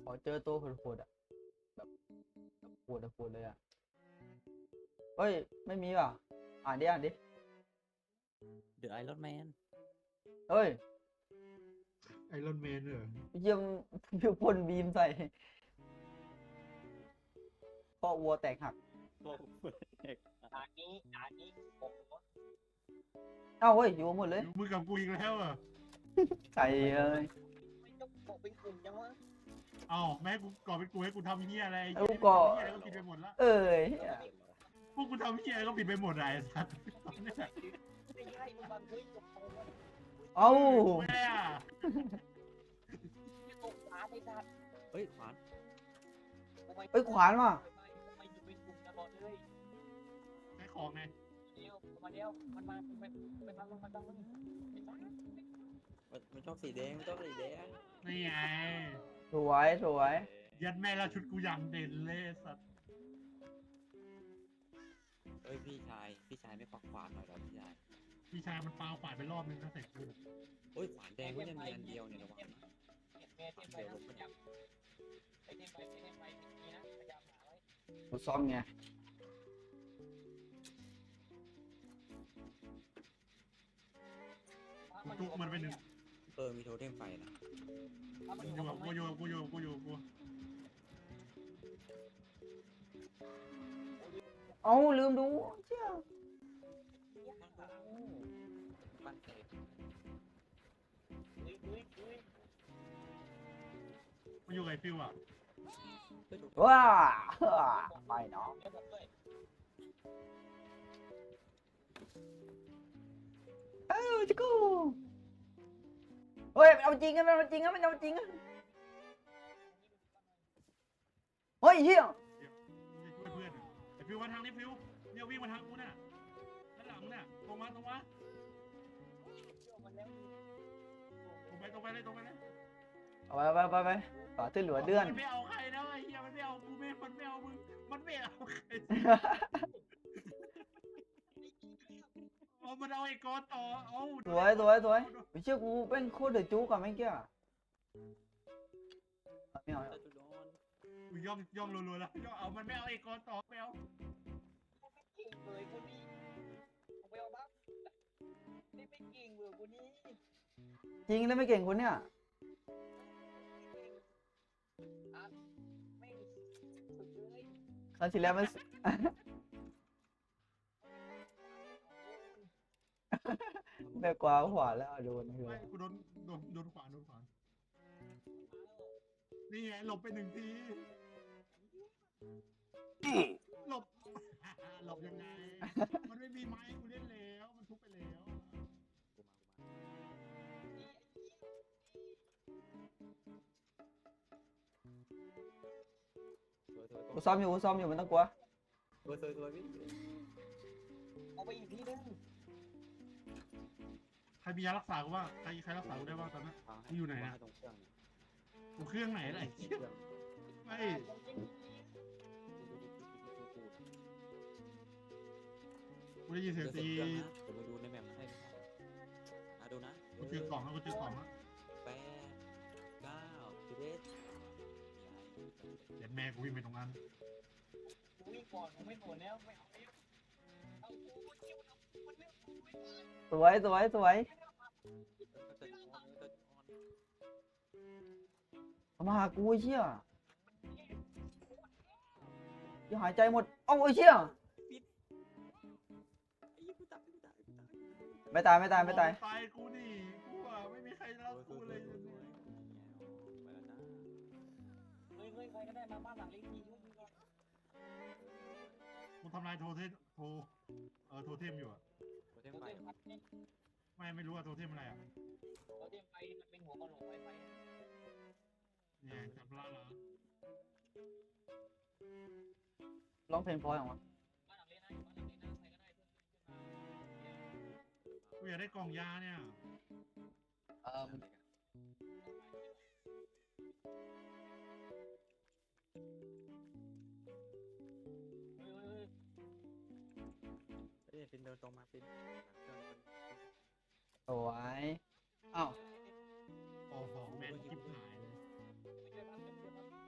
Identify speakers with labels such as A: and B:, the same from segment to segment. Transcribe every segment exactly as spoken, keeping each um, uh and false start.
A: ขอเจอตัวโหดๆอ่ะแบบแบบโหดโหดเลยอ่ะเฮ้ยไม่มีว่ะอ่านดิอ่านดิ
B: เดอะไอรอนแมน
A: เฮ้ย
C: ไอรอนแมนเหรอ
A: เยี่ยมพิวพ่นบีมใส่พ่อวัวแตกหัก
B: โอ้โหเด็ก
D: ด่านนี้ด่านนี้โอ้โห
A: เอ้าเฮ้ยอยู่หมดเลย
C: อยู่มือกับกูอีกแล้วเหรอ่ะ
A: ใส่เอ้ย
D: ไม่ต้องบอกเป็นกลุ่มจังวะ
C: เอ้าแม่ให้กูก่อเป็นกูให้กูทำเฮียอะไร
A: ไอ้กูก่อ
C: เฮียอะไรก็ผิดไปหมดละ
A: เอ้ย
C: พวกกูทำเฮียอะไรก็ผิดไปหมดเลยไอ้สัสเนี่ย
D: ไม่ใช่มึงบังเฮ้ยตกโตวะ
A: เอ้า
C: แม่อะ
D: ไม่ตกขาไม่ทัน
B: เฮ้ยขวาน
D: ทำไม
A: เอ้ยขวานว่ะ
D: ทำไมอยู่เป็นกลุ่มตลอดเลย
C: ใช้ของไง
D: เดียวมาเดียวมันมามันไปทางมันทางมัน
B: มันมันชอบสีแดงมันชอบสีแดง
C: นี่ไง
A: สวยสวย
C: ยัดแม่แล้วชุดกูอย่างเด่นเลยไอ้สัส
B: เฮ้ยพี่ชายพี่ชายไม่ควักขวานหน่อยเหรอพี่ชาย
C: พี่ชายมันปาขวานไปรอบนึงก็เสร็จกู
B: เฮ้ยขวานแดงไม่ได้มีอันเดียวเนี่ยระวังนะ
D: แม่เต็มไปนะพยายามไอ้เต็มไปเต็มไปนี่นะพยายามหาไว้
A: กูซ่อมไง
C: กูจุกมันไปหนึ่ง
B: เออมีโทเทมไฟนะ
C: กูอยู่กับกูอยู่กับกูอยู่กับกูอยู่กับกู
A: เอ้าลืมดูเชี่ย
B: บ้านเตะ
D: อุ้ยอุ้ยอุ้ย
C: กูอยู่กับไอ้ฟิวอ่ะ
B: เฮ้ยดู
A: ว้าไปเนาะ
D: เดี๋ยวผมด้วย
A: เอ้าจิกูเฮ้ยมันเอาจริงกันมันเอาจริงกันมันเอาจริงกันเฮ้ยเฮีย
C: ช่วยเพื่อนอะไอ้ฟิวมาทางนี้ฟิวเนี่ยวิ่งมาทางกูน่ะด้านหลังน่ะตรงมาตรงมา
D: เดี๋ยวมันแล้ว
C: ตรงไปตรงไปเลยตรงไปเลย
A: เอาไปไปไปไปต่อที่เหลือเดือน
C: มันไม่เอาใครนะไอ้เหี้ยมันไม่เอากูไม่มันไม่เอามึงมันไม่เอาใครเอามันเอาไอ้กอต่อเอา
A: สวยสวยสวยไปเชื่อกูเป็นโคตรเดือดจุกอะเมื่อกี้อะไม่เอา
B: ตาจุดอน
C: กูย่องย่องรัวๆแล้วย่องเอามันไม่เอาไอ้กอต่อไม่เอา
D: เก่งเลยคนนี้ผมไปเอาบ้างนี่ไม่เก่งเลยคนนี้
A: จริงแล้วไม่เก่งคนเนี้ย
D: ไม่สุดเลย
A: ครั้งที่แล้วมัน แม่กวาขวาแล้วโดนคือ
C: ไม่กูโดนโดนโดนขวานโดนขวานนี่ไงหลบไปหนึ่งทีหลบ หลบยังไงมันไม่มีไม้กูเล่นแล้วมันทุบไปแล้ว
B: กูมากูมาสวยสวย
A: กูซ้อมอยู่กูซ้อมอยู่มันต้องกลัว
B: สวยสวยสวยพี่
D: เอาไปอีกทีนึง
C: ใครมียารักษากูบ้างใครใครรักษากูได้บ้างตอนนั้น
B: ให้ตรงเครื่อง
C: กูเครื่องไหนอะไรเหี้ยไม่ กูได้ยินเสียงตี
B: เดี๋ยวไปดูในแมปให้อ่ะดูนะ
C: กูเจอกล่องแล้วกูเจอกล่องแล้ว
B: แปดเก้าสิบเอ็ด
C: เดี๋ยวแม่กูวิ่งไปตรงนั้น
D: กูวิ่งก่อนกูไม่สนแล้วไม่เอาแล้วเอากูเกี่ยวเอามันไม่เอาไม่ได้
A: สวยสวยสวยเอามาหากูไอ้เชี่ยอย่าหายใจหมดเอ้าไอ้เชี่ยไม่ตายไม่ตายไม่ตาย
C: ตายกูนี่กูอ่ะไม่มีใครรักกูเลย
D: เฮ้ยเฮ้ยใครก็ได้มาบ้านหลังเล็กทีช่วยกูก่อน
C: กูทำลายโทเทมโทเออโทเทมอยู่อ่ะ
B: โทเทม
D: เรา
B: ไฟ
D: เตรียมพัดเนี่ย
C: ไม่ไม่รู้ว่าโทเทมอะไรอ่ะ
D: เราเตรียมไปมันเป็นหัวกระโหลกไฟไฟ
C: เนี่ยจับล่าละ
A: ร้องเพลงเพราะอย่างวะ
D: บ้านหลังเล็กนะอยู่บ้านหลังเล็กนะใครก็ได้เพื่อน
C: กูอยากได้กล่องยาเนี่ย
A: เอ่อ
D: เฮ้ยเฮ้ย
B: เฮ้ยปินเดินตรงมาปิน
A: สวยอ้าว
C: โอ้โหแม่งทิพหายเลย
D: ไม่ช่วยบ้านเพื่อนเพื่อนบ้าน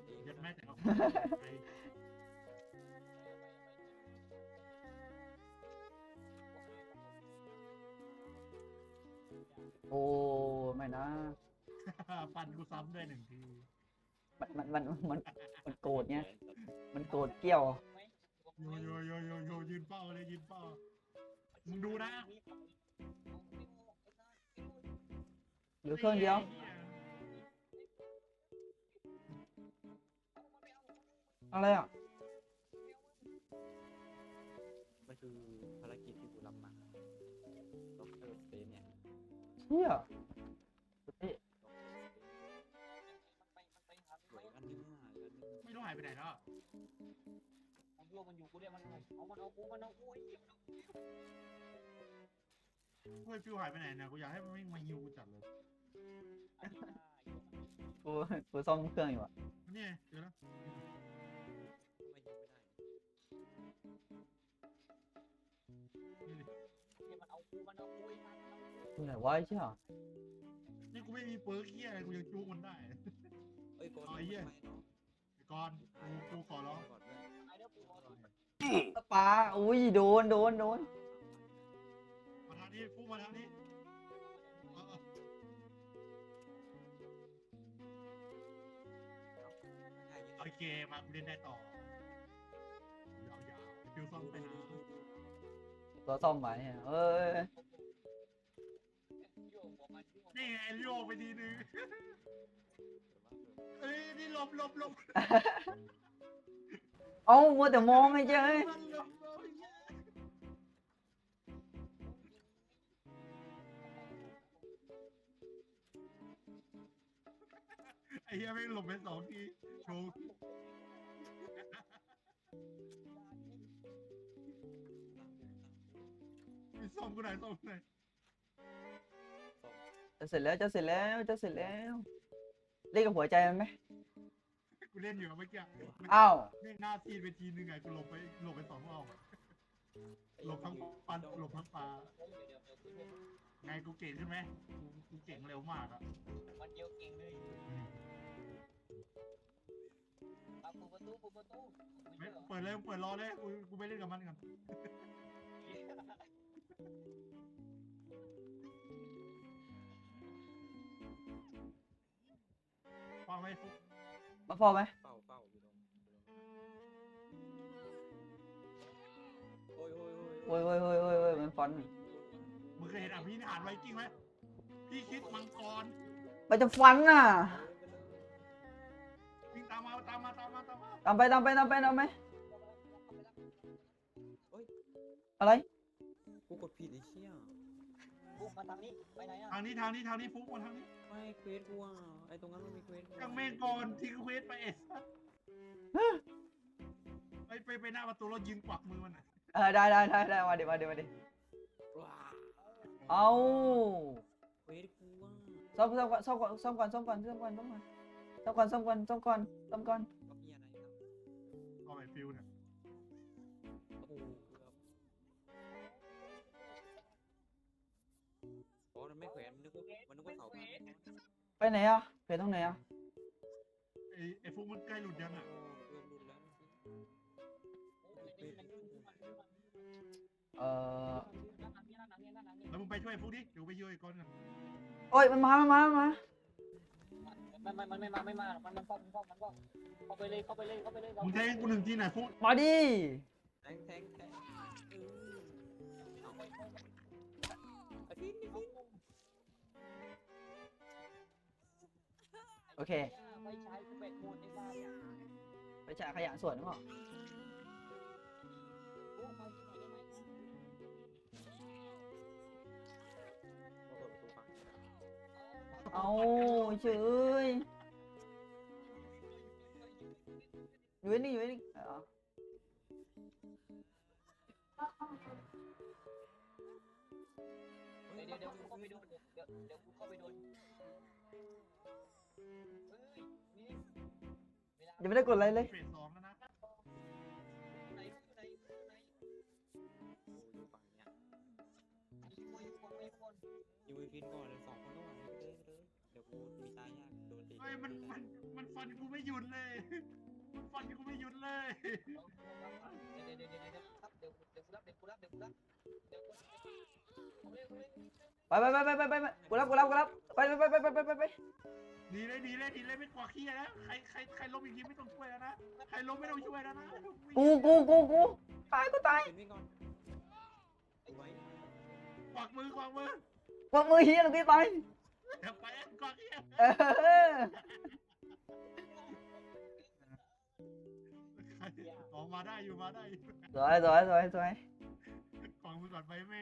B: เอง
C: ยัดแม่แต่เอาไป
A: โอ้ไม่นะ
C: ฟันกูซ้ำด้วยหนึ่งที
A: มันมันมันมันมันโกรธไงมันโกรธเกี้ยว
C: โยโยโยโยโยยืนเป้าเลยยืนเป้ามึงดูนะ
A: เหลือเครื่องเดียว อะไรอ่ะ
B: มันคือภารกิจที่กูรับมาด็อกเตอร์สเตนเนี่ย
A: เชี่ยเอ๊ะ
B: เหลืออันนึงอ่ะอันนึง
C: ไม่รู้หายไปไหนแล้ว
D: มันโยมันอยู่กูเนี่ยมันเอามันเอากูมันเอากูไอ้เหี้ย
C: เฮ้ยฟิวหายไปไหนเนี่ยกูอยากให้มันวิ่งมาฮิวกูจัดเลย
D: อันนี้ได้
A: กูกูซ่อมเครื่องอยู่อ่ะ
C: นี่เจอแล้ว
B: ไม่ยิงไม่ได้
C: นี่ดิ
D: เนี่ยมันเอากูมันเอากูไอ้สัตว์มันเอากู
A: อยู่ไหนวะไอ้เชี่ย
C: นี่กูไม่มีเปิร์กเฮียอะไรกูยังจู้มันได้
B: เอ้ยก่อน
C: เอาไอ้เหี้ย
B: ทำไมเนาะ
C: ไอ้ก่อนกูกูขอร้อง
B: ก่อนเพื่อน
D: ไอ้เด้อกูรอดู
A: ปลาอุ้ยโดนโดนโดน
C: มาทางนี้ฟูมาทางนี้เออเออ
B: ง่ายยิ่ง
C: โอเคมากูเล่นได้ต่อยาวๆไอ้ฟิวซ่อมไปนะ
A: ตัวซ่อมไว้เนี่ยเอ้ย
D: โยกหัวมันโยก
C: นี่ไงโยกไปทีนึงเอ้ยนี่หลบหลบหลบ
A: เอ้ามัวแต่มองไอ้เจ้ย
C: มันหลบหลบไอ้เหี้ยไม่งหลบไปสองทีโชว์มีซ่อมกูไหนอยซ่อมกูไหนอย
A: จะเสร็จแล้วจะเสร็จแล้วจะเสร็จแล้วเล่นกับหัวใจมันไหม
C: กูเล่นอยู่เมื่อกี้
A: อ้าว
C: นี่หน้าซีดไปทีนึงไงกูหลบไปหลบไปสองรอบอะหลบทั้งปันหลบทั้งปลา
D: เดี๋ยวเดี๋ยวเดี๋ยวกูโยก
C: ไงกูเก่งใช่ไหมกูกูเก่งเร็วมากอะ
D: มันเดียวเก่งเลยเอาปูประตูปูประตู
C: ไม่เปิดเลยเปิดรอเลยกูกูไปเล่นกับมันกันฟังไหมฟุก
A: มาพอไหม
B: เป้าเป้าอยู่ตรงโอ้ยโอ้ยโอ้ย
A: โอ้ยโอ้ยโอ้ยโอ้ยโอ้ยมันฟอนต์
C: มึงเคยเห็นอภินิหารไวกิ้งไหมพี่คิดมังกร
A: มันจะฟันน่ะ
C: วิ่งตามมาตามมาตามมาตามมา
A: ตามไปตามไปตามไปตามไปอะไร
B: กูกดผิดไอ้เชี่ย
D: บุกมาทางนี้ไปไหนอ่ะ
C: ทางนี้ทางนี้ทางนี้ฟุกมาทางนี้
B: ไม่เควสกูอ่ะไอ้ตรงนั้นมันมีเควสกู
C: ยังเมฆก่อนทิ้งเควสไปเอสไปไปไปหน้าประตูแล้วยืนกวักมือมันอ่ะ
A: เออได้ได้ได้ได้มาดิมาดิมาดิ
B: ว้า
A: เอา
B: เควสกูอ่ะ
A: ซ่อมซ่อมก่อนซ่อมก่อนซ่อมก่อนซ่อมก่อนซ่อมก่อนซ่อมก่อนซ่อมก่อนซ่อมก่อนซ่อมก่อนซ่อมก่อน
B: ก็มีอะไรนะ
C: เอาไปฟิวเนี่ย
B: โอ้โหเกือบอ๋อมันไม่แขวนมันนึกว่ามันนึกว่าเสาพัน
A: ไปไหนอ่ะไปตรงไหนอ่ะ
C: ไอ้ไอ้ฟุกมันใกล้หลุดยังอ่ะ
B: โอ้เริ่มรุนแล้วเมื่อกี้
A: เออ
C: แล้วมึงไปช่วยฟุกดิเดี๋ยวไปช่วยก่อนกัน
A: โอ้ยมันมามันมามันมา
D: มันมันมันไม่มาไม่มามันมันป้อมมันป้อมมันป้อมเข้าไปเลยเข้าไปเลยเข้าไปเลย
C: มึงแทงกูหนึ่งทีหน่อยฟุก
A: มาดิ
B: แทงแทงแทงเออเอาไปไอ้พี่นี่พี่
A: โอเค
D: ไม่ใช้กูแบกโหมดในบ้านเนี่ย
A: ไปจ่ายขยะส่วนนึงเหรอ
D: กูมาที่ไหนได้ไหม
B: มาเปิดประตูฝั่งนี้นะ
A: เอาเฉยอยู่นี่อยู่นี่อ๋อ
D: เดี๋ยวเดี๋ยวเดี๋ยวกูเข้าไปโดนเดี๋ยวเดี๋ยวเดี๋ยวกูเข้าไปโดนเฮ้ยนี่เวลา
A: ยังไม่ได้กดอะไรเลย
C: เฟสสองแล้วนะ
D: ไหนไหนไหน
B: โอ้อยู่ฝั่งเนี้ย
D: อยู่บนอยู่บนอยู่บน
B: อยู่ไอ้ฟินก่อนเลยสองคนก็ไหวไปเลยไปเลยเดี๋ยวกูมีตายยากโดนตี
C: เฮ้ยมันมันมันฟันกูไม่หยุดเลยมันฟันกูไม่หยุดเลย
D: เดี๋ยวเดี๋ยวเดี๋ยวเดี๋ยวครับเดี๋ยวเดี๋ยวกูรับเดี๋ยวกูรับเดี๋ยวกูรับเดี๋ยวกูเอาเลยเอาเลย
A: ไปไปไปไปไปไปไปกูรับกูรับกูรับไปไปไปไปไปไปไป
C: ดีเลยดีเลยดีเลยไม่กลัวขี้นะใครใครใครล้มอีกทีไม่ต้องช่วยแล้วนะใครล้มไม่ต้องช่วยแล้วนะ
A: กูกูกูกูตายกูตาย
B: เห็นวิ่งก่อนไว้
C: กวักมือกวักมือ
A: ว่ามือเฮียลูกพี่ไป
C: เดี๋ยวไปกวักเฮีย
A: เออ
C: ออกมาได้อยู่มาได้
A: สวยสวยสวยสวย
C: กวักมือก่อนไปแม่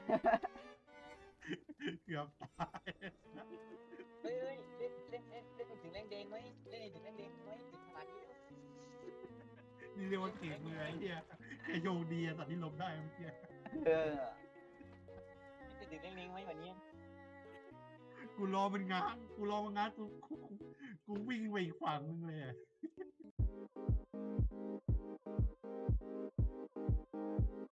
C: เกือบตาย
D: เฮ้ยเฮ้ยเล่นเล่นเล่นเล่นถึงแรงแดงไหมเล่นถึงแรงแดงไหมถึงขนาดนี้แล้ว
C: นี่เรียกว่าเก่งเลยไอ้เหี้ยแค่โยงดีสัตว์ที่ล้มได้เมื่อกี้
A: เออ
D: เล่นถึงแรงแดงไหมวันนี้
C: กูรอมันง้างกูรอมันง้างกูกูกูวิ่งไปอีกฝั่งนึงเลย